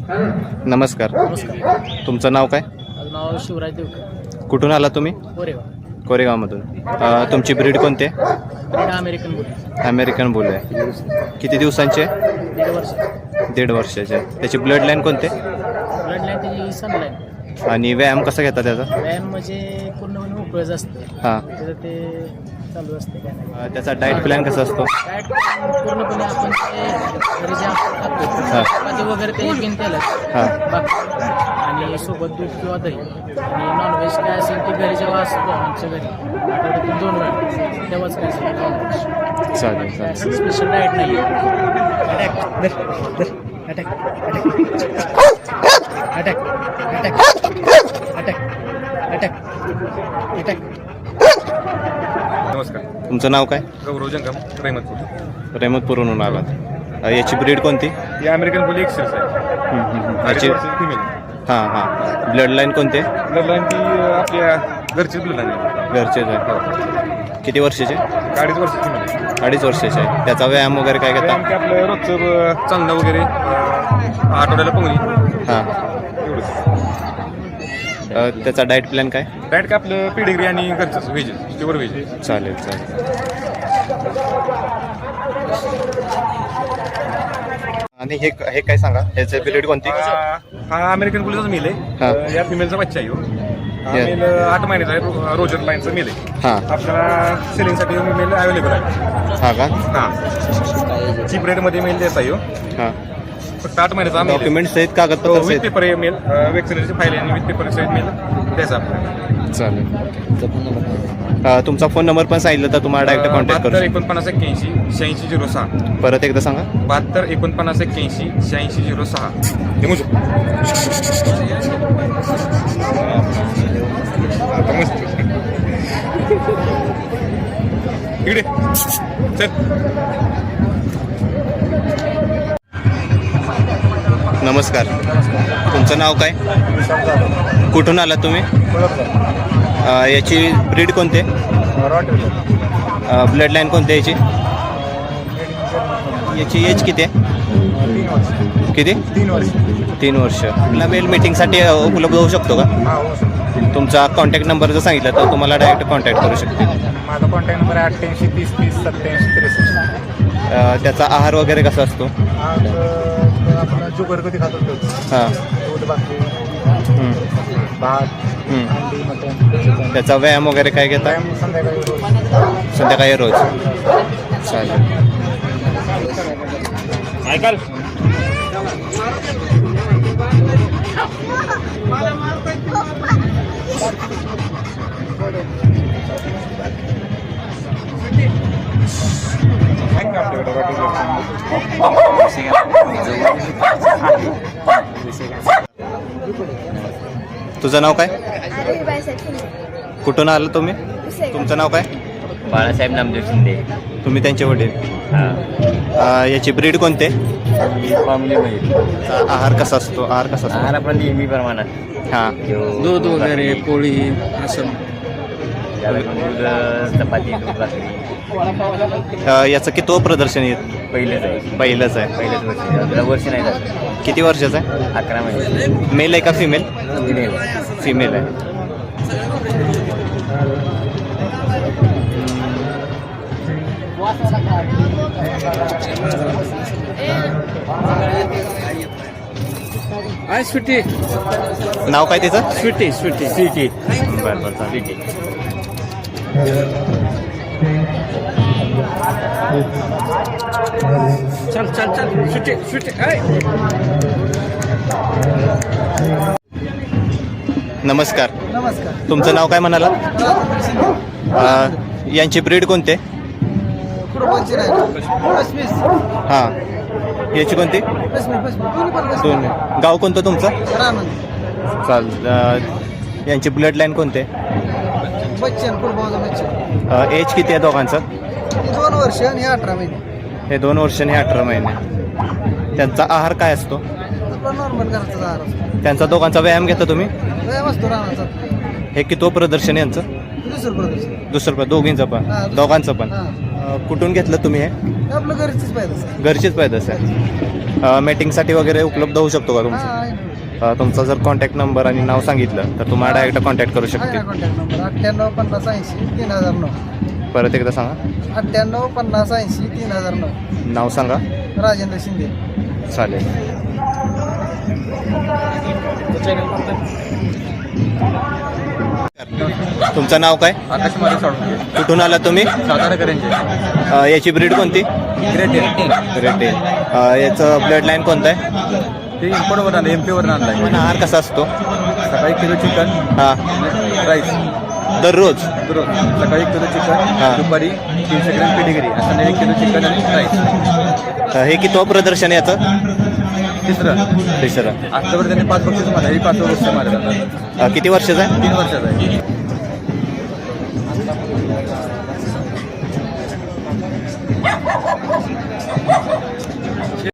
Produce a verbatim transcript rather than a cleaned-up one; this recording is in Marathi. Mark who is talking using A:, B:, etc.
A: नमस्कार. तुमचं नाव काय?
B: माझं नाव शिवराज देवकर.
A: कुठून आला तुम्ही?
B: कोरेगाव.
A: कोरेगावमधून. अ, तुमची ब्रीड कोणते?
B: Breed American bull.
A: American bull आहे. किती दिवसांचे?
B: दीड वर्ष.
A: दीड वर्षाचे. त्याची ब्लड लाईन कोणते?
B: ब्लड लाईन त्याची सनलाईन.
A: आणि व्यायाम कसा घेता त्याचा?
B: व्यायाम म्हणजे पूर्णपणे मोकळंच असतं.
A: हां.
B: त्याचं ते चालू असते काय नाही.
A: अ, त्याचा डाएट प्लॅन कसा असतो?
B: डाएट पूर्णपणे आपण ते घरी जे आपण खातो चपाती वगैरे ते घेऊन त्याला
A: हां.
B: बाकी आणि सोबत दूध किंवा दही आणि नॉनव्हेज काय असेल की घरी जेव्हा असतो आमच्या घरी आठवड्यातून दोन वेळा तेव्हाच काय असेल नॉनव्हेज.
A: चालेल चालेल.
B: असं स्पेशल डाएट नाही आहे. Attack attack attack attack attack attack attack.
C: नमस्कार.
A: तुमचं नाव काय?
C: गौरव जंगम, रहमतपूर.
A: रेहमतपूरहून आलात. अ, याची ब्रीड कोणती?
C: ही अमेरिकन बुल एक्सेस आहे.
A: हम्म, हम्म.
C: अडीच
A: याची
C: वर्षाची फिमेल.
A: हां हां. ब्लड लाईन कोणते?
C: ब्लड लाईन ती आपल्या घरचीच ब्लड लाईन आहे.
A: घरचेच आहे. किती वर्षाचे?
C: अडीच वर्षाची फिमेल आहे.
A: अडीच वर्षाचे आहे. त्याचा व्यायाम वगैरे काय घेता?
C: आमच्या आपलं रोजचं अं, चालणं वगैरे अं, आठवड्याला पोहणी
A: हां.
C: एवढंच.
A: अ, त्याचा डाएट प्लॅन काय?
C: डायट का आपलं पेडिग्री आणि घरचंच व्हेज प्युअर व्हेज.
A: चालेल चालेल. आणि हे हे काय सांगा, ह्याची ब्रीड कोणती?
C: हा अमेरिकन बुलचाच मेल
A: हा.
C: आहे. या फिमेलचा बच्चा आहे ह्यो. हा
A: या.
C: मेल आठ महिन्याचा आहे. रो- रोजर लाईनचा मेल आहे.
A: हां
C: आपल्याला सेलिंगसाठी मेल अवेलेबल आहे.
A: हां का?
C: हां. चीप रेटमध्ये मेल द्यायचा आहे ह्यो.
A: हां.
C: फक्त आठ महिन्याचा मेल आहे.
A: डॉक्युमेंट्स आहेत, कागदपत्र
C: विथ
A: आहेत?
C: पेपर मेल वॅक्सिनेशनची फाईल आणि विथ पेपर सहित मेल द्यायचा आपल्याला.
A: चालेल. अ, तुमचा फोन नंबर पण सांगितलं तर तुम्हाला डायरेक्ट कॉन्टॅक्ट
C: बहात्तर
A: करू
C: एकोणपन्नास एक्क्याऐंशी शहाऐंशी झिरो सहा.
A: शकतो. परत एकदा सांगा.
C: बहात्तर एकोणपन्नास एक्क्याऐंशी शहाऐंशी झिरो सहा. हे मुजो आता मस्त इकडे चल.
A: नमस्कार. तुमचं नाव काय? कुठून आलात तुम्ही? अ, याची ब्रीड कोणते? ब्लड लाईन कोणते याची? याची एज किती आहे? किती?
C: तीन वर्ष.
A: तीन वर्ष. आपला मेल मीटिंगसाठी उपलब्ध होऊ शकतो का? तुमचा कॉन्टॅक्ट नंबर जर सांगितला तर तुम्हाला डायरेक्ट कॉन्टॅक्ट करू शकते.
C: माझा कॉन्टॅक्ट नंबर आहे अठ्ठ्याऐंशी तीस तीस सत्त्याऐंशी त्रेसष्ट.
A: अ, त्याचा आहार वगैरे कसा असतो?
C: आज आपण जुगर कधी खातो
A: हां.
C: दूध भाकरी
A: हं.
C: भात
A: हं.
C: अंडी मटण.
A: त्याचा व्यायाम वगैरे काय घेता?
C: संध्याकाळी रोज.
A: संध्याकाळी रोज. चालेल.
C: ऐकाल
A: तुझं नाव काय? कुठून आलं तुम्ही? तुमचं नाव काय?
D: बाळासाहेब नामदेव शिंदे.
A: तुम्ही त्यांचे वडील.
D: हां.
A: अ, याची ब्रीड कोणते?
D: फॅमिलीमध्ये
A: आहार कसा असतो? आहार कसा असतो?
D: आहार आपण नेहमी प्रमाणात
A: हां.
B: दूध वगैरे पोळी असं
D: त्याला दूध चपाती दूध भाकरी.
A: अ, याचं किती प्रदर्शन येत?
D: पहिलेच आहे
A: पहिलंच आहे.
D: पहिलेच वर्ष त्याला वर्ष नाही झालं.
A: किती वर्षाचं आहे?
D: अकरा महिने
A: मेल आहे का फिमेल?
D: फिमेल.
A: फिमेल आहे.
B: आहे स्वीटी.
A: नाव काय तिचं?
B: स्वीटी स्वीटी
D: स्वीटी.
A: बरं बरं चालेल.
D: स्वीटी.
B: चल चल चल स्वीटी स्वीटी.
A: नमस्कार.
B: नमस्कार.
A: तुमचं नाव काय म्हणाला? अ, यांची ब्रीड कोणते? हां. याची कोणती? दोन. गाव कोणतं तुमचं? चाल. अ, यांची ब्लड लाईन कोणते?
E: बच्चन कुलभाऊचा बच्चन.
A: एज किती आहे दोघांचं?
E: दोन वर्ष आणि हे अठरा महिने.
A: हे दोन वर्ष आणि अठरा महिने. त्यांचा आहार काय असतो?
E: आपला नॉर्मल घराचा आहार असतो.
A: त्यांचा दोघांचा व्यायाम घेता तुम्ही?
E: व्यायाम असतो राहण्याचा.
A: हे किती प्रदर्शन यांचं?
E: दुसरं प्रदर्शन.
A: दुसरं दोघींचं पण?
E: हां, दुसरं.
A: दोघांचं पण?
E: हां.
A: अ, कुठून घेतलं तुम्ही हे
E: हे आपलं घरचीच पाहिजे सर.
A: घरचीच पाहिजे आहे मीटिंगसाठी वगैरे उपलब्ध होऊ शकतो का
E: हा
A: तुमचं
E: आहे ना.
A: अ, तुमचा जर कॉन्टॅक्ट नंबर आणि नाव सांगितलं तर तुम्हाला डायरेक्ट कॉन्टॅक्ट करू
E: आहे
A: शकते
E: ना कॉन्टॅक्ट नंबर अठ्ठ्याण्णव पन्नास ऐंशी तीन हजार नऊ
A: परत एकदा सांगा
E: अठ्ठ्याण्णव पन्नास ऐंशी तीन हजार नऊ
A: नाव सांगा
E: राजेंद्र शिंदे.
A: चालेल तुमचं नाव काय
C: आकाश माझे साडून
A: कुठून आला तुम्ही
C: सातारा करेंचे
A: अ, याची ब्रीड कोणती
C: ग्रेट
A: रेटेल याचं ब्लड लाईन कोणतं आहे
C: ते इम्पोर्टवर आणलं एम पीवर आणलं
A: पण आहार कसा असतो
C: सकाळी किलो चिकन
A: हां
C: राईस
A: दररोज
C: दररोज सकाळी एक किलो
A: हा.
C: चिकन दुपारी तीनशे ग्रॅम पेडिगिरी असं एक किलो चिकन आणि राईस
A: अ, हे किती प्रदर्शन आहे याचं
C: तिसरं
A: तिसरं
C: आतावर त्यांनी पाच बक्षीस मारलं हे पाच वर्ष मारलं
A: अ, किती वर्षाचं आहे
C: तीन वर्षाचा आहे